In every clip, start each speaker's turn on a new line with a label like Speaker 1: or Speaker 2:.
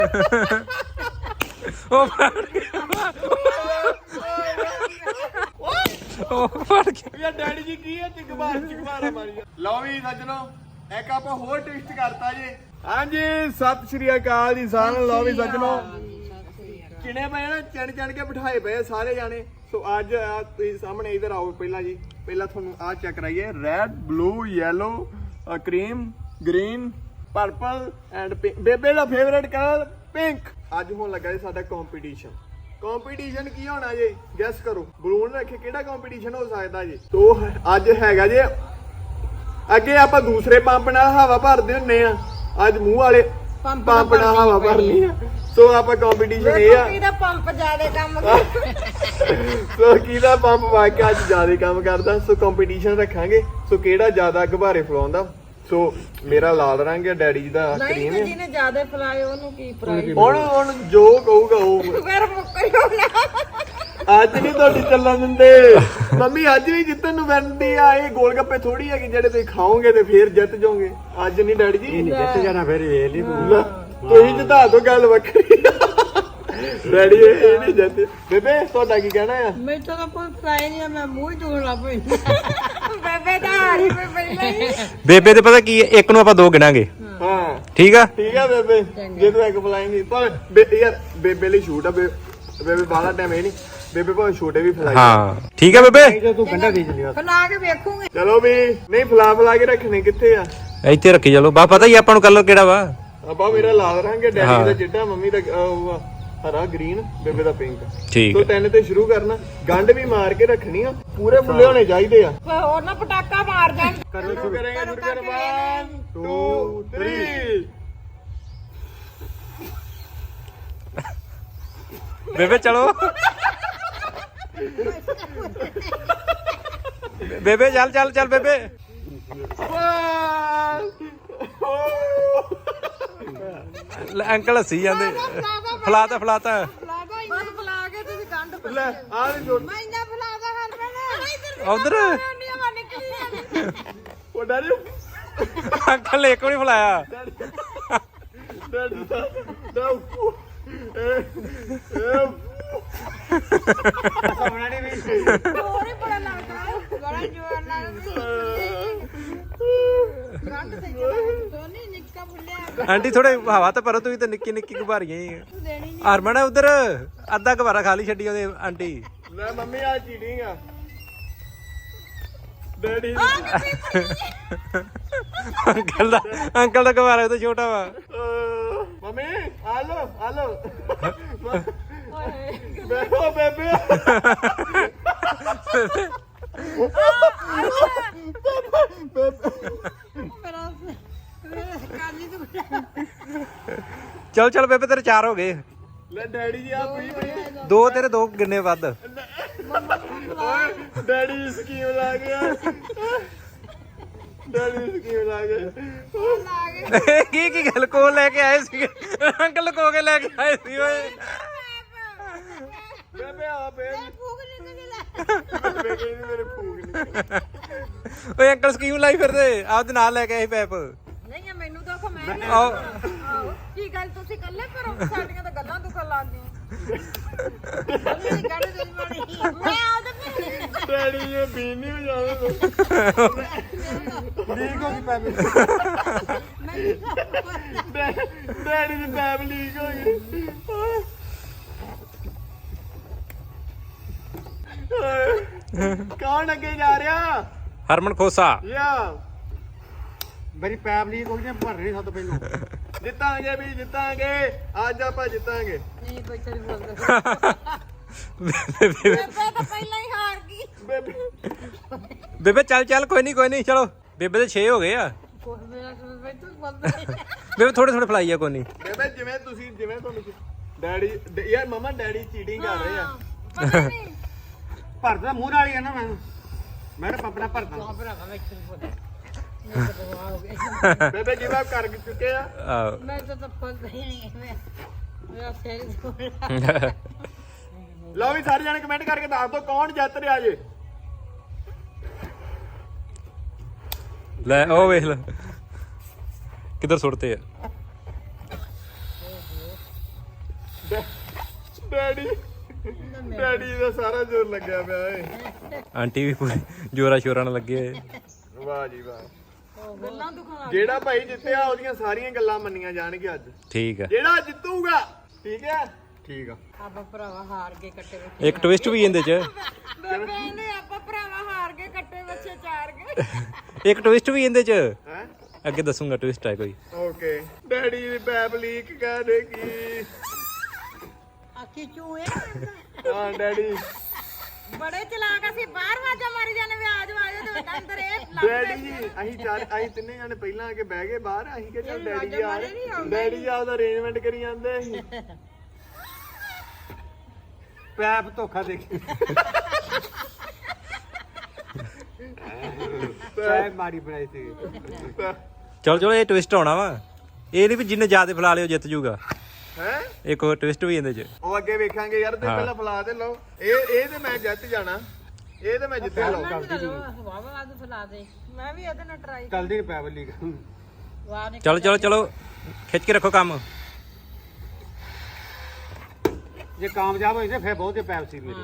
Speaker 1: ਉਹ ਫੜ ਗਿਆ ਉਹ ਫੜ ਗਿਆ
Speaker 2: ਯਾਰ ਡੈਡੀ ਜੀ ਕੀ ਹੈ ਚਿਕਮਾਰਾ ਮਾਰੀ ਲਓ ਵੀ ਸੱਜਣੋ ਇੱਕ ਆਪਾਂ ਹੋਰ ਟਵਿਸਟ ਕਰਤਾ ਜੀ ਹਾਂਜੀ ਸਤਿ ਸ਼੍ਰੀ ਅਕਾਲ ਜੀ ਸਾਰਿਆਂ ਨੂੰ ਲਓ ਵੀ ਸੱਜਣੋ ਚਿਣੇ ਪਏ ਨਾ ਚਣ ਕੇ ਬਿਠਾਏ ਪਏ ਸਾਰੇ ਜਾਣੇ ਸੋ ਅੱਜ ਤੁਸੀਂ ਸਾਹਮਣੇ ਇਧਰ ਆਓ ਪਹਿਲਾਂ ਤੁਹਾਨੂੰ ਆਹ ਚੈੱਕ ਕਰਾਈਏ red blue yellow cream green purple and ਬੇਬੇ ਦਾ ਫੇਵਰੇਟ ਕਲਰ ਪਿੰਕ ਅੱਜ ਹੋਣ ਲੱਗਾ ਜੀ ਸਾਡਾ ਕੰਪੀਟੀਸ਼ਨ ਕੀ ਹੋਣਾ ਜੀ ਗੈਸ ਕਰੋ ਬਲੂਨ ਰੱਖੇ ਕਿਹੜਾ ਕੰਪੀਟੀਸ਼ਨ ਹੋ ਸਕਦਾ ਜੀ ਤੋ ਅੱਜ ਹੈਗਾ ਜੀ ਅੱਗੇ ਆਪਾਂ ਦੂਸਰੇ ਪੰਪ ਨਾਲ ਹਵਾ ਭਰਦੇ ਹੁੰਨੇ ਆ ਅੱਜ ਮੂੰਹ ਵਾਲੇ ਪੰਪ ਨਾਲ ਹਵਾ ਭਰਨੀ ਆ ਸੋ ਆਪਾਂ ਕੰਪੀਟੀਸ਼ਨ ਇਹ ਆ
Speaker 3: ਕਿਹਦਾ ਪੰਪ ਜ਼ਿਆਦਾ ਕੰਮ ਕਰਦਾ
Speaker 2: ਸੋ ਕਿਹਦਾ ਪੰਪ ਵਾਕਿਆ ਅੱਜ ਜ਼ਿਆਦਾ ਕੰਮ ਕਰਦਾ ਸੋ ਕੰਪੀਟੀਸ਼ਨ ਰੱਖਾਂਗੇ ਸੋ ਕਿਹੜਾ ਜ਼ਿਆਦਾ ਗੁਬਾਰੇ ਫਲਾਉਂਦਾ ਸੋ ਮੇਰਾ ਲਾਲ ਰੰਗ ਹੈ ਡੈਡੀ ਜੀ ਦਾ ਕਰੀਮ ਹੈ
Speaker 3: ਜਿਹਨੇ ਜ਼ਿਆਦਾ ਫਲਾਏ ਉਹਨੂੰ ਕੀ ਪ੍ਰਾਈਜ਼
Speaker 2: ਹੁਣ ਜੋ ਕਹੂਗਾ ਉਹ
Speaker 3: ਫਿਰ ਮੁੱਕਰ ਹੋਣਾ
Speaker 2: ਅੱਜ ਨਹੀਂ ਤੁਹਾਡੀ ਚੱਲਣ ਦਿੰਦੇ ਮੰਮੀ ਅੱਜ ਵੀ ਜਿੱਤਣ ਨੂੰ ਬਣਦੀ ਆ ਇਹ ਗੋਲ ਗੱਪੇ ਥੋੜੀ ਹੈਗੀ ਜਿਹੜੇ ਤੁਸੀਂ ਖਾਓਗੇ ਤੇ ਫੇਰ ਜਿੱਤ ਜਾਓਗੇ ਅੱਜ ਨਹੀਂ ਡੈਡੀ ਜੀ
Speaker 4: ਜਿੱਤ ਜਾਣਾ ਫਿਰ ਇਹ ਨਹੀਂ
Speaker 2: ਤੁਸੀਂ ਜਿੱਤਾ ਦੋ ਗੱਲ ਵੱਖਰੀ ਡੈਡੀ ਇਹ ਨਹੀਂ ਜਿੱਤੇ ਬੇਬੇ ਤੁਹਾਡਾ ਕੀ ਕਹਿਣਾ ਆ
Speaker 3: ਮੈਂ ਤਾਂ ਕੋਈ ਫਲਾਈ ਨਹੀਂ ਮੈਂ ਮੂੰਹ ਧੋਣ ਲੱਗ ਪਈ ਬੇਬੇ ਦਾ ਹਾਰੀ ਪਈ ਪਹਿਲਾਂ ਹੀ
Speaker 1: ਬੇਬੇ ਤੇ ਪਤਾ ਕੀ ਹੈ ਇੱਕ ਨੂੰ ਆਪਾਂ ਦੋ ਗਿਣਾਂਗੇ
Speaker 2: ਹਾਂ
Speaker 1: ਠੀਕ ਆ
Speaker 2: ਬੇਬੇ ਜੇ ਤੂੰ ਇੱਕ ਫਲਾਏਂਗੀ ਪਰ ਯਾਰ ਬੇਬੇ ਲਈ ਛੂਟ ਆ ਬੇਬੇ ਬਾਲਾ ਟਾਈਮ ਇਹ ਨਹੀਂ ਬੇਬੇ ਭਾਵੇਂ ਛੋਟੇ ਵੀ ਫਲਾਈ
Speaker 1: ਹਾਂ ਠੀਕ ਆ ਬੇਬੇ
Speaker 4: ਜੇ ਤੂੰ ਗੰਡਾ ਦੇ ਚਲਿਆ
Speaker 3: ਫਲਾ ਕੇ ਵੇਖੂਗੇ
Speaker 2: ਚਲੋ ਵੀ ਨਹੀਂ ਫਲਾ ਕੇ ਰੱਖਣੇ ਕਿੱਥੇ ਆ
Speaker 1: ਇੱਥੇ ਰੱਖੀ ਚਲੋ ਬਾ ਪਤਾ ਹੀ ਆਪਾਂ ਨੂੰ ਕਲਰ ਕਿਹੜਾ ਵਾ
Speaker 2: ਆਪਾਂ ਮੇਰਾ ਲਾਲ ਰੰਗ ਹੈ ਡੈਡੀ ਦਾ ਚਿੱਟਾ ਮੰਮੀ ਦਾ ਉਹ ਹਰਾ ਗ੍ਰੀਨ ਬੇਬੇ ਦਾ ਪਿੰਕ
Speaker 1: ਠੀਕ
Speaker 2: ਤੋ ਤਿੰਨ ਤੇ ਸ਼ੁਰੂ ਕਰਨਾ ਗੰਢ ਵੀ ਮਾਰ ਕੇ ਰੱਖਣੀ ਆ ਪੂਰੇ ਫੁੱਲੇ ਹੋਣੇ ਚਾਹੀਦੇ ਆ
Speaker 3: ਹੋਰ ਨਾ ਪਟਾਕਾ ਮਾਰ ਜਾਣ
Speaker 2: ਸ਼ੁਰੂ ਕਰਾਂਗੇ ਸ਼ੁਰੂ ਕਰ 1 2 3
Speaker 1: ਬੇਬੇ ਚਲੋ ਬੇਬੇ ਚੱਲ ਬੇਬੇ ਅੰਕਲ ਹੱਸੀ ਜਾਂਦੇ ਫਲਾਤਾ
Speaker 3: ਬਸ ਫਲਾ ਕੇ ਤੁਸੀਂ ਗੰਢ
Speaker 2: ਲੈ ਆ ਨਹੀਂ ਜੋੜ
Speaker 3: ਮੈਂ ਇੰਨਾ ਫਲਾਦਾ ਹਰ
Speaker 1: ਉਧਰ
Speaker 2: ਉਹ ਡੈਡੀ
Speaker 1: ਅੰਕਲ ਨੇ ਇੱਕ ਵੀ ਨਹੀਂ ਫਲਾਇਆ
Speaker 2: ਡੈਡੀ ਦਾ
Speaker 4: ਸੋਣਾ ਨਹੀਂ ਵੀ
Speaker 3: ਹੋਰ ਹੀ ਬੜਾ ਲੱਗਦਾ ਬੜਾ ਜੋਰ ਨਾਲ ਗੰਢ ਤੇ ਦੋਨੇ ਨਿੱਕਾ ਫੁੱਲਿਆ
Speaker 1: ਆਂਟੀ ਥੋੜੇ ਹਵਾ ਤਾਂ ਭਰੋ ਤੁਸੀਂ ਤਾਂ ਨਿੱਕੀ ਗੁਬਾਰੀਆਂ ਹੀ
Speaker 3: ਦੇਣੀ
Speaker 1: ਹਰਮਨ ਉਧਰ ਅੱਧਾ ਗੁਬਾਰਾ ਖਾਲੀ ਛੱਡੀ ਉਹਦੇ ਆਂਟੀ
Speaker 2: ਲੈ ਮੰਮੀ ਆ ਚੀਟਿੰਗ ਆ ਡੈਡੀ
Speaker 1: ਅੰਕਲ ਦਾ ਗੁਬਾਰਾ ਤਾਂ ਛੋਟਾ ਵਾ
Speaker 2: ਮੰਮੀ ਆ ਲੋ ਬੇਬੇ
Speaker 1: ਚੱਲ ਬੇਬੇ ਤੇਰੇ 4 ਹੋ ਗਏ
Speaker 2: ਲੈ ਡੈਡੀ ਜੀ ਆ ਪਈ
Speaker 1: ਦੋ ਤੇਰੇ ਦੋ ਕਿੰਨੇ ਵੱਧ
Speaker 2: ਓਏ ਡੈਡੀ ਦੀ ਸਕੀਮ ਲਾ ਗਿਆ
Speaker 1: ਕੀ ਗੱਲ ਕੋ ਲੈ ਕੇ ਆਏ ਸੀ ਅੰਕਲ ਲਕੋ ਕੇ ਲੈ ਕੇ ਆਏ ਸੀ ਓਏ
Speaker 2: ਬੇਬੇ ਆ ਬੇਬੇ ਮੇਰੇ ਫੂਕ ਨਹੀਂ
Speaker 1: ਓਏ ਅੰਕਲ ਸਕੀਮ ਲਾਈ ਫਿਰਦੇ ਆਪਦੇ ਨਾਲ ਲੈ ਕੇ ਆਏ ਪੈਪ
Speaker 3: ਨਹੀਂ ਮੈਨੂੰ ਤਾਂ ਮੈਂ
Speaker 1: ਆਓ
Speaker 3: ਕੀ ਗੱਲ ਤੁਸੀਂ ਇਕੱਲੇ ਕਰੋ ਸਾਡੀਆਂ ਤਾਂ ਗੱਲਾਂ ਦੁਖਣ ਲੱਗ ਗਈਆਂ ਮੈਂ ਆਉਂ
Speaker 2: ਡੈਡੀ ਇਹ ਬੀਨ ਨਹੀਂ ਹੋ ਜਾਵੇ ਲੀਕ ਹੋ ਗਈ ਪੈਪ ਡੈਡੀ ਦੀ ਪੈਪ ਲੀਕ ਹੋ ਗਈ ਕੌਣ ਅੱਗੇ ਜਾ ਰਿਹਾ
Speaker 1: ਹਰਮਨ ਖੋਸਾ
Speaker 2: ਯਾ
Speaker 4: ਮੇਰੀ ਪੈਪ ਲੀਕ ਹੋ ਗਈ ਭਰ ਨਹੀਂ ਸਭ ਤੋਂ ਪਹਿਲਾਂ
Speaker 2: ਜਿੱਤਾਂਗੇ ਅੱਜ ਆਪਾਂ ਜਿੱਤਾਂਗੇ
Speaker 3: ਨਹੀਂ ਕੋਈ ਚਲ ਬੋਲਦਾ ਬੇਬੇ ਤਾਂ ਪਹਿਲਾਂ ਹੀ ਹਾਰ ਗਈ
Speaker 1: ਬੇਬੇ ਚੱਲ ਕੋਈ ਨਹੀਂ ਚਲੋ ਬੇਬੇ ਦੇ 6 ਹੋ ਗਏ ਆ ਬੇਬੇ ਥੋੜੇ ਫਲਾਈ ਆ ਕੋਈ ਨਹੀਂ
Speaker 2: ਬੇਬੇ ਜਿਵੇਂ ਤੁਹਾਨੂੰ ਡੈਡੀ ਯਾਰ ਮਮਾ ਡੈਡੀ ਚੀਟਿੰਗ ਕਰ ਰਹੇ ਆ
Speaker 3: ਪਤਾ ਨਹੀਂ
Speaker 4: ਭਰਦਾ ਮੂੰਹ ਨਾਲ ਹੀ ਆ ਨਾ ਮੈਂ ਤਾਂ ਪਪੜਾ ਭਰਦਾ
Speaker 2: ਬੇਬੇ ਗਿਵ ਅਪ ਕਰ ਚੁੱਕੇ ਆ
Speaker 3: ਮੈਂ ਤਾਂ ਪਤਾ ਹੀ ਨਹੀਂ ਮੇਰਾ ਸਿਰ
Speaker 2: ਲਓ ਵੀ ਸਾਰੇ ਜਾਣੇ ਕਮੈਂਟ ਕਰਕੇ ਦੱਸ ਦਿਓ ਕੌਣ ਜਿੱਤ ਰਿਹਾ ਜੇ
Speaker 1: ਲੈ ਉਹ ਵੇਖ ਲੈ ਕਿੱਧਰ ਸੁੱਟਦੇ ਆ
Speaker 2: ਡੈਡੀ ਦਾ ਸਾਰਾ ਜ਼ੋਰ ਲੱਗਿਆ ਪਿਆ ਏ।
Speaker 1: ਆਂਟੀ ਵੀ ਪੂਰੀ ਜੋਰਾ ਸ਼ੋਰਾਂ ਨਾਲ ਲੱਗੇ ਹੋਏ।
Speaker 2: ਵਾਹ ਜੀ ਵਾਹ।
Speaker 3: ਗੱਲਾਂ ਦੁਖਾਂ
Speaker 2: ਜਿਹੜਾ ਭਾਈ ਜਿੱਤਿਆ ਉਹਦੀਆਂ ਸਾਰੀਆਂ ਗੱਲਾਂ ਮੰਨੀਆਂ ਜਾਣਗੀਆਂ ਅੱਜ।
Speaker 1: ਠੀਕ ਆ।
Speaker 2: ਜਿਹੜਾ ਜਿੱਤੂਗਾ ਠੀਕ ਹੈ। ਠੀਕ ਆ।
Speaker 3: ਆਪਾਂ ਭਰਾਵਾ ਹਾਰ ਕੇ ਕੱਟੇ ਵਿੱਚ
Speaker 1: ਇੱਕ ਟਵਿਸਟ ਵੀ ਇਹਦੇ ਚ।
Speaker 3: ਬੇਬੇ ਕਹਿੰਦੇ ਆਪਾਂ ਭਰਾਵਾ ਹਾਰ ਕੇ ਕੱਟੇ ਬੱਚੇ ਚਾਰ ਗਏ।
Speaker 1: ਇੱਕ ਟਵਿਸਟ ਵੀ ਇਹਦੇ ਚ।
Speaker 2: ਹੈ
Speaker 1: ਅੱਗੇ ਦੱਸੂਗਾ ਟਵਿਸਟ ਹੈ ਕੋਈ।
Speaker 2: ਓਕੇ। ਡੈਡੀ ਦੀ ਪੈਪ ਲੀਕ ਕਰ ਦੇਗੀ।
Speaker 3: ਆਖੀ ਚੂਏ
Speaker 2: ਹਾਂ ਡੈਡੀ।
Speaker 3: ਬੜੇ ਚਲਾਕ ਅਸੀਂ ਬਾਹਰ ਵਾਜਾ ਮਾਰੀ ਜਾਂਦੇ ਵੀ ਆਜੋ ਆਜੋ ਤੇ ਅੰਦਰ ਇਹ
Speaker 2: ਡੈਡੀ ਜੀ ਅਸੀਂ ਤਿੰਨੇ ਜਾਣੇ ਪਹਿਲਾਂ ਆ ਕੇ ਬਹਿ ਗਏ ਬਾਹਰ। ਅਸੀਂ ਕਿ ਚੱਲ ਡੈਡੀ ਜੀ ਆ ਡੈਡੀ ਜੀ ਆਪਦਾ ਅਰੇਂਜਮੈਂਟ ਕਰੀ ਜਾਂਦੇ ਸੀ।
Speaker 4: ਪੈਪ ਧੋਖਾ ਦੇ ਕੇ ਪੈਪ ਮਾਰੀ ਬਣਾਈ ਸੀ।
Speaker 1: ਚਲੋ ਚਲੋ ਇਹ ਟਵਿਸਟ ਆਉਣਾ ਵਾ। ਇਹ ਨਹੀਂ ਵੀ ਜਿੰਨੇ ਜ਼ਿਆਦਾ ਫਲਾ ਲਿਓ ਜਿੱਤ ਜੂਗਾ।
Speaker 2: ਹੈ
Speaker 1: ਇੱਕ ਹੋਰ ਟਵਿਸਟ ਵੀ ਇਹਦੇ ਚ।
Speaker 2: ਉਹ ਅੱਗੇ ਵੇਖਾਂਗੇ ਯਾਰ ਤੇ ਪਹਿਲਾਂ ਫਲਾ ਤੇ ਲਓ। ਇਹ ਤੇ ਮੈਂ ਜਿੱਤ ਜਾਣਾ। ਇਹ ਤੇ ਮੈਂ ਜਿੱਤਿਆ ਲਓ।
Speaker 3: ਵਾਵਾ ਆਦੂ ਫਲਾ ਦੇ ਮੈਂ ਵੀ ਇਹਦੇ ਨਾਲ ਟਰਾਈ
Speaker 4: ਚੱਲਦੀ ਨੀ ਪੈਪ ਲੀਕ।
Speaker 3: ਵਾਹ ਨੇ
Speaker 1: ਚਲੋ ਚਲੋ ਚਲੋ ਖਿੱਚ ਕੇ ਰੱਖੋ ਕੰਮ।
Speaker 4: ਜੇ ਕਾਮਯਾਬ ਹੋਈ ਤੇ ਫਿਰ ਬਹੁਤ ਜੇ ਪੈਪ ਸੀ ਮੇਰੇ।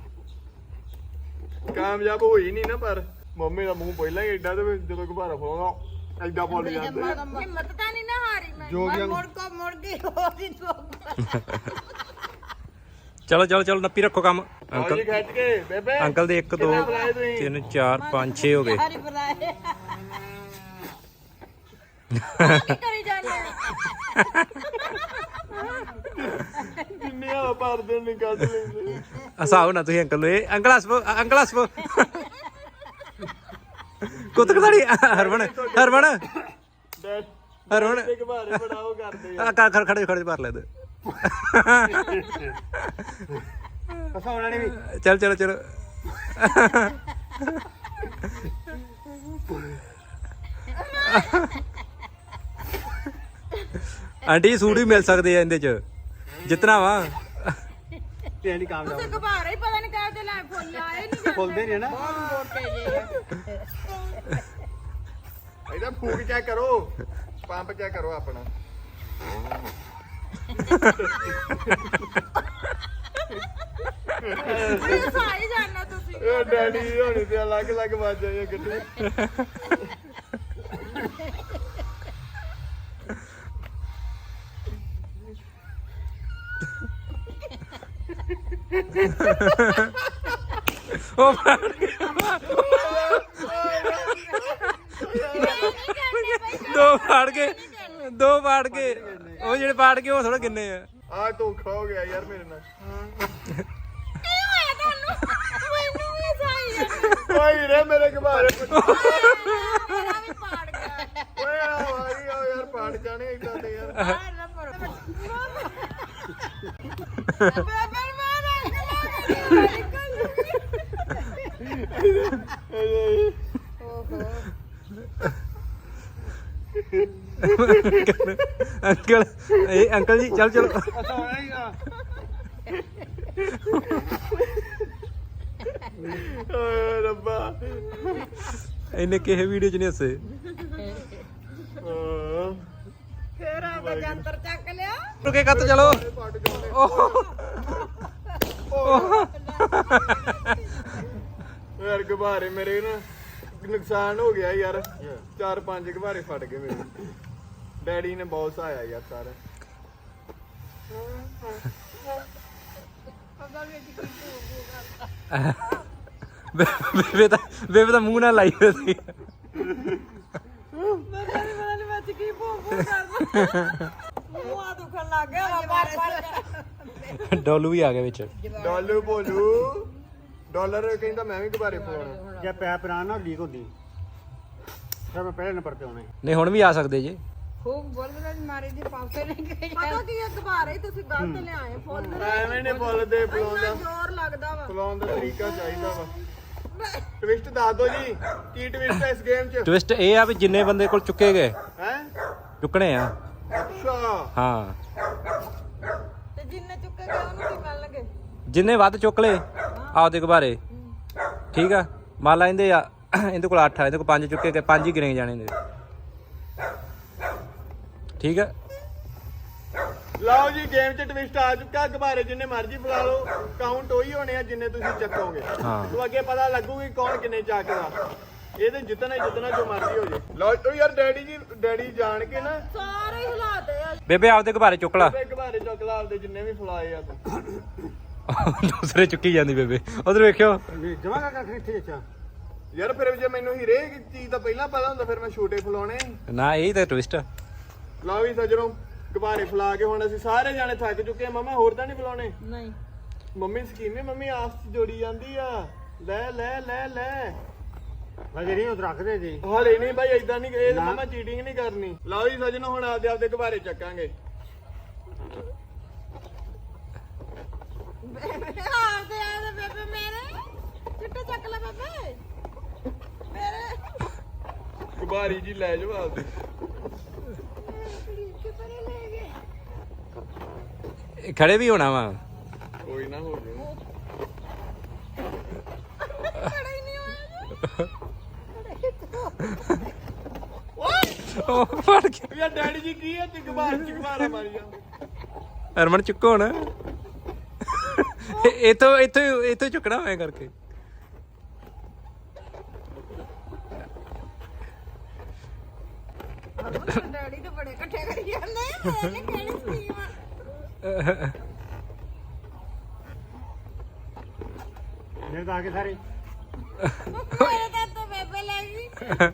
Speaker 2: ਕਾਮਯਾਬ ਹੋਈ ਨਹੀਂ ਨਾ ਪਰ ਮੰਮੀ ਦਾ ਮੂੰਹ ਪਹਿਲਾਂ ਹੀ ਐਡਾ ਤੇ ਜਦੋਂ ਘਬਾਰਾ ਫੋਗਾ ਐਡਾ ਬੋਲ ਜਾਂਦੇ।
Speaker 3: ਹਿੰਮਤ ਤਾਂ ਨਹੀਂ ਨਾ ਹਾਰੀ ਮੈਂ ਮੁੜ ਗਈ ਹੋਰ ਹੀ
Speaker 1: ਚਲੋ ਚਲੋ ਚਲੋ ਨੱਪੀ ਰੱਖੋ ਕੰਮ।
Speaker 2: ਆਓ
Speaker 1: ਅੰਕਲ
Speaker 2: ਜੀ ਖਿੱਚ ਕੇ ਬੇਬੇ
Speaker 1: ਅੰਕਲ ਦੇ 1 2 3 4 5 6 ਹੋ ਗਏ।
Speaker 3: ਹਾਰੀ ਬੁਲਾਏ ਕੀ ਕਰੀ ਜਾਂਦੇ
Speaker 2: ਕਿੰਨੇ ਆ ਪਰਦੇ ਨਹੀਂ ਕੱਢ ਲੈਂਦੇ।
Speaker 1: ਹਸਾਓ ਨਾ ਤੁਸੀਂ ਅੰਕਲ ਨੂੰ। ਇਹ ਅੰਕਲ ਹੱਸੋ ਅੰਕਲ ਹੱਸੋ। ਕੁੱਤ ਕਦਾੜੀ ਹਰਵਣ ਹਰਵਣ
Speaker 2: ਡੈਡ
Speaker 1: ਹਰਵਣ
Speaker 2: ਤੇ ਘਬਾਰੇ ਬੜਾਓ ਕਰਦੇ ਆ।
Speaker 1: ਖੜ ਖੜੇ ਖੜੇ ਭਰ ਲੈ ਦੇ।
Speaker 4: ਫਸਾਉਣਾ ਨਹੀਂ ਵੀ।
Speaker 1: ਚਲ ਚਲੋ ਚਲੋ। ਆਂਟੀ ਸੂਟ ਵੀ ਮਿਲ ਸਕਦੇ ਆ ਇਹਦੇ ਚ ਜਿੱਤਣਾ ਵਾ।
Speaker 4: ਤੇ ਨਹੀਂ ਕਾਮਯਾਬ
Speaker 3: ਤੁਸੀਂ ਘਬਾਰਾ ਹੀ ਪਤਾ ਨਹੀਂ ਕਾਹਦੇ ਲੈ ਫੁੱਲ ਆਏ ਨਹੀਂ
Speaker 4: ਖੁੱਲਦੇ ਨਹੀਂ ਨਾ।
Speaker 3: ਮੋਟੇ ਜੇ
Speaker 2: ਇਹਦਾ ਫੂਕ ਚੈੱਕ ਕਰੋ। ਪੰਪ ਚੈੱਕ ਕਰੋ ਆਪਣਾ।
Speaker 3: ਇਹ ਸਾਈ ਜਾਣਾ ਤੁਸੀਂ
Speaker 2: ਇਹ ਡੈਡੀ ਹੋਣੀ ਤੇ ਅਲੱਗ ਅਲੱਗ ਵੱਜ ਆਈ ਗੱਡੀ।
Speaker 1: ਉਹ ਫੜ ਗਿਆ। ਦੋ ਫਾੜ ਕੇ ਦੋ ਫਾੜ ਕੇ ਉਹ ਜਿਹੜੇ ਫਾੜ ਕੇ ਉਹ ਥੋੜਾ ਕਿੰਨੇ ਆ।
Speaker 2: ਆ ਧੋਖਾ ਹੋ ਗਿਆ ਯਾਰ ਮੇਰੇ ਨਾਲ।
Speaker 3: ਕੀ ਹੋਇਆ ਤੁਹਾਨੂੰ ਮੈਨੂੰ ਵੀ ਸਾਈ ਜਾਣਾ
Speaker 2: ਓਏ ਰੇ ਮੇਰੇ ਘਬਾਰੇ
Speaker 3: ਮੇਰਾ ਵੀ ਪਾੜ ਗਿਆ
Speaker 2: ਓਏ ਆ ਯਾਰ ਪਾੜ ਜਾਣੇ ਇਦਾਂ ਤੇ ਯਾਰ।
Speaker 3: ਬਾਹਰ ਨਾ ਪੜੋ ਬੇਬੇ ਮਾਰਾ
Speaker 1: ਅੰਕਲ ਇਹ ਅੰਕਲ ਜੀ ਚਲ ਚਲੋ।
Speaker 4: ਫਸਾਉਣਾ ਹੀ ਆ।
Speaker 2: ਓਏ ਰੱਬਾ।
Speaker 1: ਇਹਨੇ ਕਿਸੇ ਵੀਡੀਓ ਚ ਨਹੀਂ ਹੱਸੇ।
Speaker 3: ਫੇਰ ਆ ਜੰਤਰ ਚੱਕ ਲਿਆ
Speaker 1: ਰੁਕੇ ਕੱਤ ਚਲੋ।
Speaker 2: ਯਾਰ ਘਬਾਰੇ ਮੇਰੇ ਨਾ ਨੁਕਸਾਨ ਹੋ ਗਿਆ ਯਾਰ। 4-5 ਘਬਾਰੇ ਫਟ ਗਏ ਮੇਰੇ। ਡੈਡੀ ਨੇ ਬਹੁਤ ਸਹਾਇਆ ਯਾਰ ਸਾਰਾ।
Speaker 1: ਬੇਬੇ ਦਾ ਮੂੰਹ ਨਾਲ ਲਾਈ ਹੋਈ ਸੀ।
Speaker 3: ਵਿੱਚ ਕੀ ਭੂ ਕਰਦਾ ਮੂੰਹ ਆ ਦੁਖਣ ਲੱਗ ਗਿਆ ਬਾਰੇ
Speaker 1: ਡੋਲੂ ਵੀ ਆ ਗਿਆ ਵਿੱਚ।
Speaker 2: ਡਾਲੂ ਬੋਲੂ ਡਾਲਰ ਕਹਿੰਦਾ ਮੈਂ ਵੀ ਘਬਾਰੇ ਪਾਉਣਾ।
Speaker 4: ਜੇ ਪੈਪ ਨਾ ਲੀਕ ਹੁੰਦੀ ਫਿਰ ਮੈਂ ਪਹਿਲੇ ਨੰਬਰ ਤੇ ਆਉਣਾ।
Speaker 1: ਨਹੀਂ ਹੁਣ ਵੀ ਆ ਸਕਦੇ ਜੇ।
Speaker 3: ਖੂਬ ਬੋਲਦਾ ਮਾਰੇ ਦੀ ਪਾਸੇ ਨਹੀਂ ਗਈ ਪਤਾ ਕੀ ਇਹ ਦੁਬਾਰੇ ਤੁਸੀਂ ਗਲਤ ਲਿਆਏ ਫੁੱਲ
Speaker 2: ਐਵੇਂ ਨੇ ਬੋਲਦੇ
Speaker 3: ਇੰਨਾ ਜ਼ੋਰ ਲੱਗਦਾ ਵਾ
Speaker 2: ਫਲਾਉਣ ਦਾ ਤਰੀਕਾ ਚਾਹੀਦਾ ਵਾ। ਟਵਿਸਟ ਦੱਸ ਦੋ ਜੀ ਕੀ ਟਵਿਸਟ ਹੈ ਇਸ ਗੇਮ 'ਚ।
Speaker 1: ਟਵਿਸਟ ਇਹ ਆ ਵੀ ਜਿੰਨੇ ਬੰਦੇ ਕੋਲ ਚੁੱਕੇ ਗਏ
Speaker 2: ਹੈ
Speaker 1: ਚੁੱਕਣੇ ਆ।
Speaker 2: ਅੱਛਾ
Speaker 1: ਹਾਂ
Speaker 3: ਤੇ ਜਿੰਨੇ ਚੁੱਕੇ ਗਏ ਉਹਨੂੰ ਕੀ ਮਿਲਣਗੇ
Speaker 1: ਜਿੰਨੇ ਵੱਧ ਚੁੱਕ ਲਏ ਆਪਦੇ ਘਬਾਰੇ। ਠੀਕ ਆ ਮੰਨ ਲਾ ਇਹਦੇ ਆ ਇਹਦੇ ਕੋਲ 8 ਆ ਇਹਦੇ ਕੋਲ 5 ਚੁੱਕੇ ਗਏ 5 ਹੀ ਗਿਣੇ ਜਾਣੇ ਇਹਦੇ। ਠੀਕ ਆ
Speaker 2: ਲਓ ਜੀ ਗੇਮ 'ਚ ਟਵਿਸਟ ਆ ਚੁੱਕਾ ਗੁਬਾਰੇ ਜਿੰਨੇ ਮਰਜ਼ੀ ਫਲਾ ਲਓ ਕਾਊਂਟ ਉਹੀ ਹੋਣੇ ਆ ਜਿੰਨੇ ਤੁਸੀਂ ਚੱਕੋਗੇ
Speaker 1: ਹਾਂ।
Speaker 2: ਤੋ ਅੱਗੇ ਪਤਾ ਲੱਗੂਗੀ ਕੌਣ ਕਿੰਨੇ ਚੱਕਦਾ ਇਹਦੇ ਜਿੱਤਣਾ ਹੀ ਜਿੱਤਣਾ ਜੋ ਮਰਜ਼ੀ ਹੋ ਜੇ ਲਓ ਓ ਯਾਰ ਡੈਡੀ ਜਾਣ ਕੇ ਨਾ
Speaker 3: ਸਾਰੇ ਹਿਲਾਤੇ ਆ
Speaker 1: ਬੇਬੇ ਆਪਦੇ ਗੁਬਾਰੇ ਚੁੱਕ ਲਾ
Speaker 2: ਤੇ ਗੁਬਾਰੇ ਚੁੱਕ ਲਾ ਆਪਦੇ ਜਿੰਨੇ ਵੀ ਫਲਾਏ ਆ ਤੂੰ
Speaker 1: ਦੂਸਰੇ ਚੁੱਕੀ ਜਾਂਦੀ ਬੇਬੇ ਉਧਰ ਵੇਖਿਓ
Speaker 4: ਜਮਾ ਕਰ ਇੱਥੇ ਅੱਛਾ
Speaker 2: ਯਾਰ ਫਿਰ ਜੇ ਮੈਨੂੰ ਹੀਰੇ ਚੀਜ਼ ਦਾ ਪਹਿਲਾਂ ਪਤਾ ਹੁੰਦਾ ਫਿਰ ਮੈਂ ਛੋਟੇ ਫਲਾਉਣੇ
Speaker 1: ਨਾ ਇਹ ਤਾਂ ਟਵਿਸਟ
Speaker 2: ਲਓ ਵੀ ਸੱਜਣੋ ਗੁਬਾਰੇ ਫਲਾ ਕੇ ਹੁਣ ਅਸੀਂ ਸਾਰੇ ਜਾਣੇ ਥੱਕ ਚੁੱਕੇ ਆ ਮਮਾ ਹੋਰ ਤਾਂ ਨਹੀਂ ਫਲਾਉਣੇ
Speaker 3: ਨਹੀਂ
Speaker 2: ਮੰਮੀ ਸਕੀਮੇ ਮੰਮੀ ਆਸ ਚ ਜੋੜੀ ਜਾਂਦੀ ਆ ਲੈ ਲੈ ਲੈ ਲੈ
Speaker 4: ਵਜੇ ਨਹੀਂ ਉਹ ਰੱਖਦੇ ਜੀ
Speaker 2: ਹਲੇ ਨਹੀਂ ਭਾਈ ਏਦਾਂ ਨਹੀਂ ਇਹ ਮਮਾ ਚੀਟਿੰਗ ਨਹੀਂ ਕਰਨੀ ਲਓ ਜੀ ਸੱਜਣੋ ਹੁਣ ਆਪਦੇ ਗੁਬਾਰੇ ਚੱਕਾਂਗੇ
Speaker 3: ਆਪਦੇ ਆ ਬੇਬੇ ਮੇਰੇ ਚਿੱਟੇ ਚੱਕ ਲੈ ਬੇਬੇ ਮੇਰੇ
Speaker 2: ਗੁਬਾਰੀ ਜੀ ਲੈ ਜਾਓ ਆਪਦੇ
Speaker 3: ਕਿਪਰੇ ਲੈ ਗਏ
Speaker 1: ਇਹ ਖੜੇ ਵੀ ਹੋਣਾ ਵਾ
Speaker 2: ਕੋਈ ਨਾ ਹੋ ਜਾਊ
Speaker 3: ਖੜਾ ਹੀ ਨਹੀਂ ਹੋਇਆ
Speaker 1: ਉਹ ਫੜ ਗਿਆ
Speaker 2: ਯਾਰ ਡੈਡੀ ਜੀ ਕੀ ਹੈ ਤੇ ਗੁਬਾਰਾ ਮਾਰੀ ਜਾਂਦੇ
Speaker 1: ਹਰਮਨ ਚੁੱਕੋ ਹੁਣ ਇਥੋਂ ਚੁੱਕਣਾ ਹੋਇਆ ਕਰਕੇ
Speaker 3: ਡੈਡੀ ਤੇ ਬੜੇ ਇਕੱਠੇ ਕਰੀ ਜਾਂਦੇ ਆ ਇਹਨੇ ਕਿਹੜੀ ਸਕੀਮ ਆ
Speaker 4: ਮੇਰੇ ਤਾਂ ਆ ਕੇ ਸਾਰੇ
Speaker 3: ਮੇਰੇ ਤਾਂ ਬੇਬੇ ਲੈ ਗਈ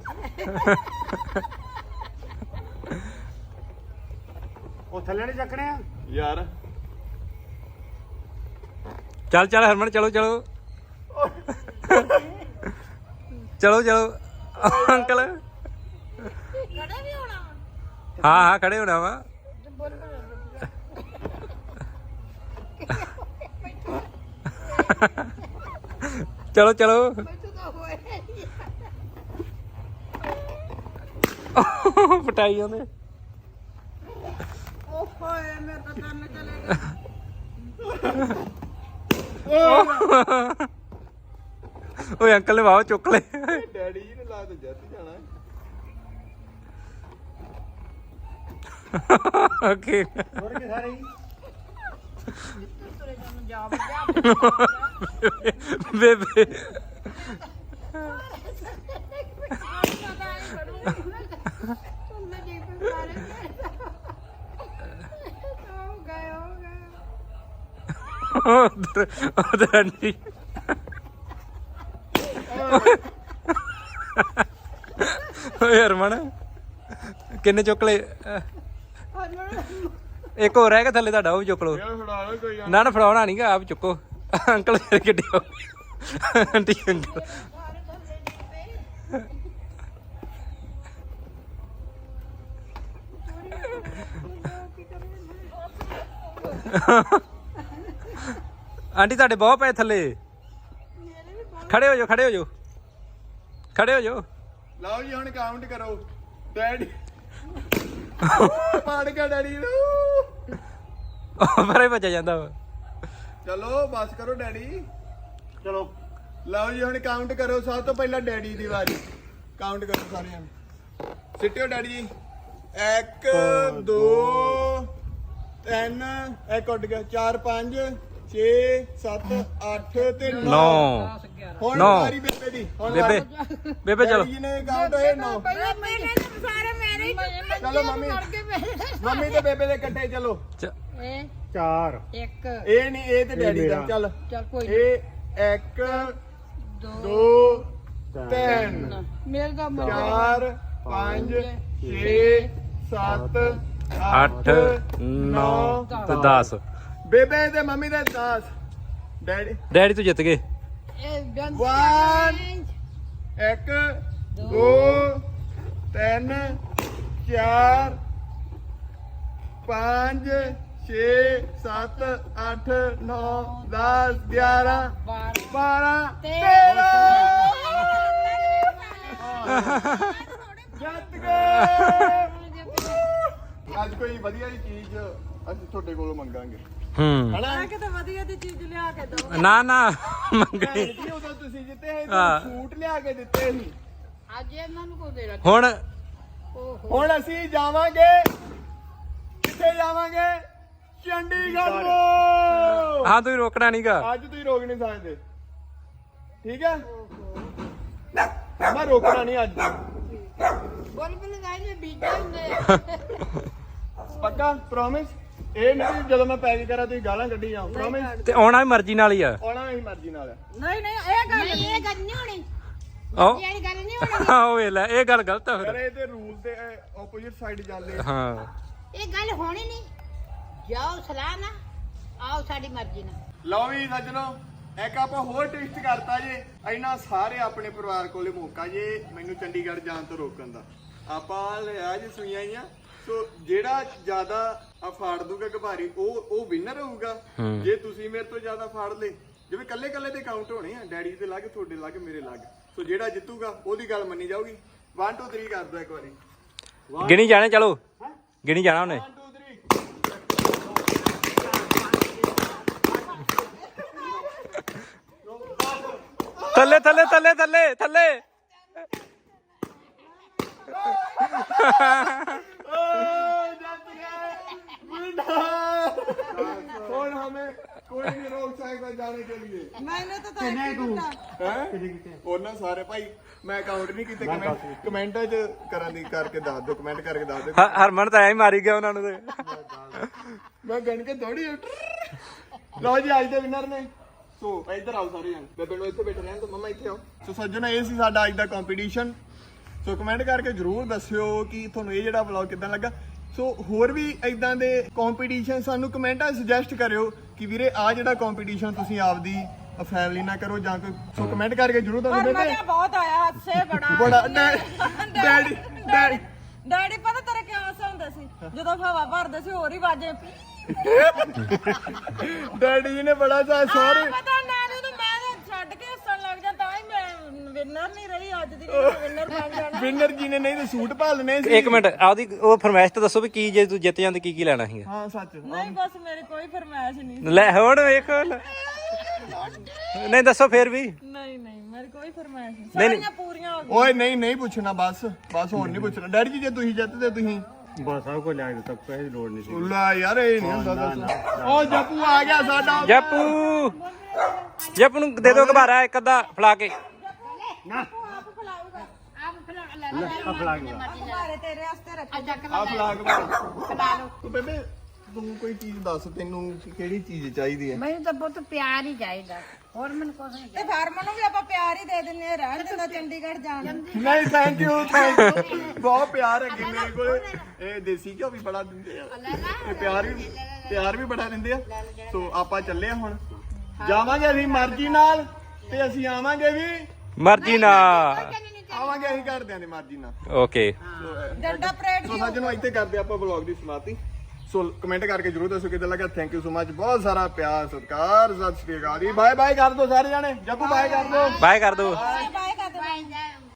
Speaker 4: ਉਹ ਥੱਲੇ ਨਹੀਂ ਚੱਕਣੇ ਆ
Speaker 2: ਯਾਰ
Speaker 1: ਚੱਲ ਚੱਲ ਹਰਮਨ ਚਲੋ ਚਲੋ ਚਲੋ ਚਲੋ ਅੰਕਲ
Speaker 3: ਖੜੇ ਵੀ ਹੋਣਾ
Speaker 1: ਹਾਂ ਹਾਂ ਖੜੇ ਹੋਣਾ ਵਾ ਚਲੋ ਚਲੋ ਪਟਾਈ ਉਹਨੇ
Speaker 3: ਓਹ ਹੋਏ ਮੇਰੇ ਤਾਂ ਕੰਨ ਚਲੇ ਗਏ
Speaker 1: ਓਏ ਅੰਕਲ ਨੇ ਵਾਹ ਚੁੱਕ ਲਏ
Speaker 2: ਡੈਡੀ ਜੀ ਨੇ ਲਾ ਤੇ ਜਿੱਤ ਜਾਣਾ
Speaker 1: ਓਕੇ
Speaker 4: ਹੋਰ ਕੀ ਸਾਰੇ
Speaker 3: ਤੁਰੇ ਜਾਣ ਜਾ
Speaker 1: ਬੇਬੇ ਉਧਰ ਆਂਟੀ ਓਏ ਹਰਮਨ ਕਿੰਨੇ ਚੁੱਕ ਲਏ ਇੱਕ ਹੋਰ ਰਹਿ ਗਿਆ ਥੱਲੇ ਤੁਹਾਡਾ ਉਹ ਵੀ ਚੁੱਕ ਲਓ
Speaker 2: ਯਾਰ ਫੜਾ ਲਓ ਕੋਈ
Speaker 1: ਨਾ ਨਾ ਫੜਾਉਣਾ ਨਹੀਂਗਾ ਆਪ ਚੁੱਕੋ ਅੰਕਲ ਫਿਰ ਕਿੱਡੇ ਹੋ ਆਂਟੀ ਅੰਕਲ ਆਂਟੀ ਤੁਹਾਡੇ ਬਹੁਤ ਪਏ ਥੱਲੇ ਖੜੇ ਹੋ ਜਾਓ ਖੜੇ ਹੋ ਜਾਓ ਖੜੇ ਹੋ ਜਾਓ
Speaker 2: ਲਓ ਜੀ ਹੁਣ ਕਾਊਂਟ ਕਰੋ ਡੈਡੀ ਪਾੜ ਗਿਆ ਡੈਡੀ ਨੂੰ
Speaker 1: ਪਰੇ ਭੱਜਿਆ ਜਾਂਦਾ ਵਾ
Speaker 2: ਚਲੋ ਬਸ ਕਰੋ ਡੈਡੀ
Speaker 4: ਚਲੋ
Speaker 2: ਲਓ ਜੀ ਹੁਣ ਕਾਊਂਟ ਕਰੋ ਸਭ ਤੋਂ ਪਹਿਲਾਂ ਡੈਡੀ ਦੀ ਵਾਰੀ ਕਾਊਂਟ ਕਰੋ ਸਾਰਿਆਂ ਨੂੰ ਸਿੱਟਿਓ ਡੈਡੀ ਜੀ 1 2 3 ਇੱਕ ਉੱਡ ਗਿਆ 4 5 6 7 8 ਤੇ 9 ਹੁਣ
Speaker 1: ਨੌ।
Speaker 2: ਵਾਰੀ ਬੇਬੇ ਦੀ ਹੁਣ
Speaker 1: ਬੇਬੇ ਬੇਬੇ ਚਲੋ
Speaker 2: ਡੈਡੀ ਜੀ ਨੇ ਕਾਊਂਟ ਹੋਏ 9
Speaker 3: ਸਾਰੇ ਮੇਰੇ ਹੀ
Speaker 2: ਚਲੋ ਮੰਮੀ ਤੇ ਬੇਬੇ ਦੇ ਇਕੱਠੇ ਚਲੋ
Speaker 3: ਇਹ
Speaker 4: 4
Speaker 3: ਇੱਕ
Speaker 2: ਇਹ ਨਹੀਂ ਇਹ ਤੇ ਡੈਡੀ ਦਾ ਚੱਲ
Speaker 3: ਚੱਲ ਕੋਈ
Speaker 2: ਇਹ 1 2 3
Speaker 3: ਮੇਰੇ ਦਾ
Speaker 2: 4 5 6 7
Speaker 1: 8 9 ਤੇ 10
Speaker 2: ਬੇਬੇ ਤੇ ਮੰਮੀ ਦੇ 10 ਡੈਡੀ
Speaker 1: ਡੈਡੀ ਤੂੰ ਜਿੱਤ ਗਏ
Speaker 3: ਇਹ
Speaker 2: 1 1 2 3 4 5 6 7 8 9 10 11 12 13 ਜਿੱਤ ਗਏ ਅੱਜ ਕੋਈ ਵਧੀਆ ਜਿਹੀ ਚੀਜ਼ ਅਸੀਂ ਤੁਹਾਡੇ ਕੋਲੋਂ ਮੰਗਾਂਗੇ
Speaker 1: ਹੂੰ
Speaker 2: ਹਨਾ
Speaker 3: ਕਿਤੇ ਵਧੀਆ ਦੀ ਚੀਜ਼ ਲਿਆ ਕੇ ਦੋ
Speaker 1: ਨਾ ਨਾ ਮੰਗਣੀ
Speaker 2: ਜੀ ਉਦੋਂ ਤੁਸੀਂ ਜਿੱਤੇ ਸੀ
Speaker 1: ਹਾਂ।
Speaker 2: ਸੂਟ ਲਿਆ ਕੇ ਦਿੱਤੇ ਸੀ
Speaker 3: ਅੱਜ ਇਹਨਾਂ ਨੂੰ ਕੋ ਦੇ ਰੱਖ
Speaker 1: ਹੁਣ
Speaker 2: ਹੁਣ ਅਸੀਂ ਜਾਵਾਂਗੇ ਕਿੱਥੇ ਜਾਵਾਂਗੇ ਚੰਡੀਗੜ੍ਹ ਤੋਂ।
Speaker 1: ਹਾਂ ਤੁਸੀਂ ਰੋਕਣਾ ਨਹੀਂਗਾ।
Speaker 2: ਅੱਜ ਤੁਸੀਂ ਰੋਕ ਨਹੀਂ ਸਕਦੇ, ਠੀਕ ਹੈ? ਮੈਂ ਰੋਕਣਾ ਨਹੀਂ ਅੱਜ,
Speaker 3: ਬੁਲਬੁਲ ਗਾਇ ਨੇ ਬੀਜੇ ਹੁੰਦੇ
Speaker 2: ਪੱਕਾ ਪ੍ਰੋਮਿਸ। ਇਹ ਨਹੀਂ ਵੀ ਜਦੋਂ ਮੈਂ ਪੈਕ ਕਰਾਂ ਤੁਸੀਂ ਗਾਲਾਂ ਕੱਢੀ ਜਾਓ, ਪ੍ਰੋਮਿਸ।
Speaker 1: ਤੇ ਆਉਣਾ ਵੀ ਮਰਜ਼ੀ ਨਾਲ ਹੀ ਆ।
Speaker 2: ਆਉਣਾ ਮੇਰੀ ਮਰਜ਼ੀ ਨਾਲ ਹੈ।
Speaker 3: ਨਹੀਂ ਨਹੀਂ ਇਹ ਗੱਲ ਨਹੀਂ ਹੋਣੀ
Speaker 1: ਆਓ
Speaker 3: ਇਹ ਗੱਲ ਨਹੀਂ ਹੋਣੀ
Speaker 1: ਆਓ ਵੇ ਲੈ ਇਹ ਗੱਲ ਗਲਤ ਆ
Speaker 2: ਯਾਰ
Speaker 1: ਫਿਰ।
Speaker 2: ਇਹ ਤੇ ਰੂਲ ਤੇ ਆਪੋਜ਼ਿਟ ਸਾਈਡ ਜਾਂਦੇ ਆ।
Speaker 1: ਹਾਂ
Speaker 3: ਇਹ ਗੱਲ ਹੋਣੀ ਨਹੀਂ ਜਾਓ ਸਲਾਹ ਨਾ ਆਓ ਸਾਡੀ ਮਰਜ਼ੀ ਨਾਲ।
Speaker 2: ਲਓ ਵੀ ਸੱਜਣੋ, ਇੱਕ ਆਪਾਂ ਹੋਰ ਟਵਿਸਟ ਕਰਤਾ ਜੇ। ਇਹਨਾਂ ਸਾਰੇ ਆਪਣੇ ਪਰਿਵਾਰ ਕੋਲੇ ਮੌਕਾ ਜੇ ਮੈਨੂੰ ਚੰਡੀਗੜ੍ਹ ਜਾਣ ਤੋਂ ਰੋਕਣ ਦਾ। ਆਪਾਂ ਲਿਆ ਜੀ ਸੂਈਆਂ ਹੀ ਆ, ਸੋ ਜਿਹੜਾ ਜ਼ਿਆਦਾ ਫਾੜ ਦੂਗਾ ਘਬਾਰੀ ਉਹ ਵਿਨਰ ਹੋਊਗਾ। ਜੇ ਤੁਸੀਂ ਮੇਰੇ ਤੋਂ ਜ਼ਿਆਦਾ ਫਾੜ ਲੇ, ਜਿਵੇਂ ਕੱਲੇ ਕੱਲੇ ਦੇ ਕਾਊਂਟ ਹੋਣੇ ਆ, ਡੈਡੀ ਦੇ ਲੱਗ, ਤੁਹਾਡੇ ਲੱਗ, ਮੇਰੇ ਲੱਗ, ਸੋ ਜਿਹੜਾ ਜਿੱਤੂਗਾ ਉਹਦੀ ਗੱਲ ਮੰਨੀ ਜਾਊਗੀ। 1 2 3 ਕਰ ਦੋ ਇੱਕ ਵਾਰੀ।
Speaker 1: ਗਿਣੀ ਜਾਣੇ, ਚਲੋ ਗਿਣੀ ਜਾਣਾ ਉਹਨੇ।
Speaker 2: 1 2 3
Speaker 1: ਥੱਲੇ ਥੱਲੇ ਥੱਲੇ ਥੱਲੇ ਥੱਲੇ।
Speaker 2: और हमें कोई नहीं रोक सकता जाने के लिए।
Speaker 3: मैंने तो तय ਕੀਤਾ
Speaker 2: हैं? और ना सारे भाई मैं काउंट नहीं ਕੀਤੇ, ਕਮੈਂਟਾਂ 'ਚ ਕਰਕੇ ਦੱਸ ਦਿਓ, ਕਮੈਂਟ ਕਰਕੇ ਦੱਸ ਦਿਓ।
Speaker 1: ਹਰਮਨ ਤਾਂ ਐ ਹੀ ਮਾਰੀ ਗਿਆ ਉਹਨਾਂ ਨੂੰ ਤੇ।
Speaker 2: ਮੈਂ ਗਣ ਕੇ ਥੋੜੀ ਲਓ ਜੀ ਅੱਜ ਦੇ ਵਿਨਰ ਨੇ। ਸੋ ਇੱਧਰ ਆਓ ਸਾਰੇ ਜਣ, ਬੇਬੇ ਨੂੰ ਇੱਥੇ ਬੈਠੇ ਰਹਿਣ ਤੋਂ, ਮਮਾ ਇੱਥੇ ਆਓ। ਸੋ ਸੱਜਣੋ ਇਹ ਸੀ ਸਾਡਾ ਅੱਜ ਦਾ ਕੰਪੀਟੀਸ਼ਨ। ਸੋ ਕਮੈਂਟ ਕਰਕੇ ਜਰੂਰ ਦੱਸਿਓ ਕਿ ਤੁਹਾਨੂੰ ਇਹ ਜਿਹੜਾ ਵਲੌਗ ਕਿਦਾਂ ਲੱਗਾ। ਸੋ ਹੋਰ ਵੀ ਇਦਾਂ ਦੇ ਕੰਪੀਟੀਸ਼ਨ ਸਾਨੂੰ ਕਮੈਂਟਾਂ ਸੁਜੈਸਟ ਕਰਿਓ ਕਿ ਵੀਰੇ ਆ ਜਿਹੜਾ ਕੰਪੀਟੀਸ਼ਨ ਤੁਸੀਂ ਆਪਦੀ ਫੈਮਿਲੀ ਨਾਲ ਕਰੋ ਜਾਂ ਕੋਈ। ਸੋ ਕਮੈਂਟ ਕਰਕੇ ਜਰੂਰ ਤੁਹਾਨੂੰ
Speaker 3: ਪਰ
Speaker 2: ਬੇਬੇ
Speaker 3: ਮਜ਼ਾ ਬਹੁਤ ਆਇਆ ਹਾਸੇ ਬੜਾ
Speaker 2: ਬੜਾ ਡੈਡੀ
Speaker 3: ਡੈਡੀ ਪਤਾ ਤੇਰੇ ਕਿਉਂ ਹਾਸਾ ਹੁੰਦਾ ਸੀ ਜਦੋਂ ਹਵਾ ਭਰਦੇ ਸੀ ਹੋਰ ਹੀ ਵਾਜੇ
Speaker 2: ਡੈਡੀ ਜੀ ਨੇ ਬੜਾ ਸਾਰੇ
Speaker 3: ਪਤਾ ਨਾਨੂ ਨੂੰ ਮੈਂ ਤਾਂ ਛੱਡ ਕੇ ਹੱਸਣ ਲੱਗ ਜਾਂ ਤਾਂ ਹੀ ਮੈਂ ਵਿਨਰ ਨਹੀਂ ਰਹੀ ਅੱਜ ਦੀ ਵਿਨਰ ਬਣ ਜਾਣਾ।
Speaker 2: ਵਿਨਰ ਜੀ ਨੇ ਨਹੀਂ ਤੇ ਸੂਟ ਭਾਲਨੇ ਸੀ।
Speaker 1: ਇੱਕ ਮਿੰਟ ਆਪਦੀ ਉਹ ਫਰਮਾਇਸ਼ ਤਾਂ ਦੱਸੋ ਵੀ ਕੀ ਜੇ ਤੂੰ ਜਿੱਤ ਜਾਂਦੇ ਕੀ ਲੈਣਾ ਸੀਗਾ।
Speaker 2: ਹਾਂ ਸੱਚ।
Speaker 3: ਨਹੀਂ ਬਸ ਮੇਰੀ ਕੋਈ ਫਰਮਾਇਸ਼ ਨਹੀਂ
Speaker 1: ਲੈ ਹੁਣ ਵੇਖੋ ਨਹੀਂ ਦੱਸੋ ਫੇਰ ਵੀ।
Speaker 3: ਨਹੀਂ ਨਹੀਂ ਮੇਰੀ ਕੋਈ ਫਰਮਾਇਸ਼ ਨਹੀਂ
Speaker 1: ਨਹੀਂ, ਨਹੀਂ।
Speaker 3: ਸਾਰੀਆਂ ਪੂਰੀਆਂ ਹੋ ਗਈਆਂ।
Speaker 2: ਓਏ ਨਹੀਂ ਪੁੱਛਣਾ, ਬਸ ਹੁਣ ਨਹੀਂ ਪੁੱਛਣਾ। ਡੈਡੀ ਜੀ ਜੇ ਤੁਸੀਂ ਜਿੱਤਦੇ ਤੁਸੀਂ
Speaker 4: ਬਸ ਸਭ ਕੁਝ ਲਿਆ ਦਿੱਤਾ, ਕਿਸੇ ਦੀ ਲੋੜ ਨਹੀਂ ਸੀ।
Speaker 2: ਲੈ ਯਾਰ ਇਹ ਨਹੀਂ ਹੁੰਦਾ ਦੱਸ। ਓ ਜੱਪੂ ਆ ਗਿਆ ਸਾਡਾ।
Speaker 1: ਜੱਪੂ ਜੱਪੂ ਨੂੰ ਦੇ ਦੋ ਘਬਾਰਾ ਇੱਕ ਅੱਧਾ ਫਲਾ ਕੇ।
Speaker 4: ਨਾ
Speaker 3: ਆਪ ਖਿਲਾਊਗਾ ਆਪ ਖਿਲਾ
Speaker 4: ਲੈ ਆ ਫਲਾ ਕੇ
Speaker 3: ਘਰੇ ਤੇਰੇ ਵਾਸਤੇ ਰੱਖਿਆ
Speaker 2: ਆ ਫਲਾਗ ਖਿਲਾ ਲਓ ਤੂੰ ਬੇਬੇ, ਤੂੰ ਕੋਈ ਚੀਜ਼ ਦੱਸ, ਤੈਨੂੰ ਕਿਹੜੀ ਚੀਜ਼ ਚਾਹੀਦੀ ਹੈ?
Speaker 5: ਮੈਨੂੰ ਤਾਂ ਬਹੁਤ ਪਿਆਰ ਹੀ ਚਾਹੀਦਾ ਹੋਰ ਮੈਨੂੰ ਕੁਝ ਨਹੀਂ
Speaker 3: ਤੇ ਫਾਰਮਰ ਨੂੰ ਵੀ ਆਪਾਂ ਪਿਆਰ ਹੀ ਦੇ ਦਿੰਨੇ ਆ, ਰਹਿਣ ਦਿੰਦਾ ਚੰਡੀਗੜ੍ਹ ਜਾਣ ਨੂੰ।
Speaker 2: ਨਹੀਂ ਥੈਂਕ ਯੂ ਬਹੁਤ ਪਿਆਰ ਹੈ ਮੇਰੇ ਕੋਲ। ਇਹ ਦੇਸੀ ਘਿਓ ਵੀ ਬੜਾ ਦਿੰਦੇ ਆ, ਇਹ ਪਿਆਰ ਵੀ ਬੜਾ ਦਿੰਦੇ ਆ। ਸੋ ਆਪਾਂ ਚੱਲੇ ਆ ਹੁਣ, ਜਾਵਾਂਗੇ ਅਸੀਂ ਮਰਜ਼ੀ ਨਾਲ ਤੇ ਅਸੀਂ ਆਵਾਂਗੇ ਵੀ
Speaker 1: ਮਰਜ਼ੀ ਨਾਲ।
Speaker 2: ਆਵਾਂਗੇ ਅਸੀਂ ਘਰਦਿਆਂ ਦੀ ਮਰਜ਼ੀ ਨਾਲ।
Speaker 1: ਓਕੇ
Speaker 3: ਡੰਡਾ ਪਰੇਡ
Speaker 2: ਸੋ ਸੱਜਣੋ ਇੱਥੇ ਕਰਦੇ ਆਪਾਂ ਵਲੌਗ ਦੀ ਸਮਾਪਤੀ। ਸੋ ਕਮੈਂਟ ਕਰਕੇ ਜਰੂਰ ਦੱਸੋ ਕਿਦਾਂ ਲੱਗਾ। ਥੈਂਕ ਯੂ ਸੋ ਮਚ, ਬਹੁਤ ਸਾਰਾ ਪਿਆਰ ਸਤਿਕਾਰ। ਸਤਿ ਸ਼੍ਰੀ ਅਕਾਲ ਜੀ, ਬਾਏ ਬਾਏ ਕਰ ਦੋ ਸਾਰੇ ਜਾਣੇ। ਜੱਪੂ ਬਾਏ ਕਰ ਦੋ।
Speaker 1: ਬਾਏ ਕਰ ਦੋ।
Speaker 3: ਬਾਏ ਕਰ ਦੇ।
Speaker 5: ਚਾਹੀਦਾ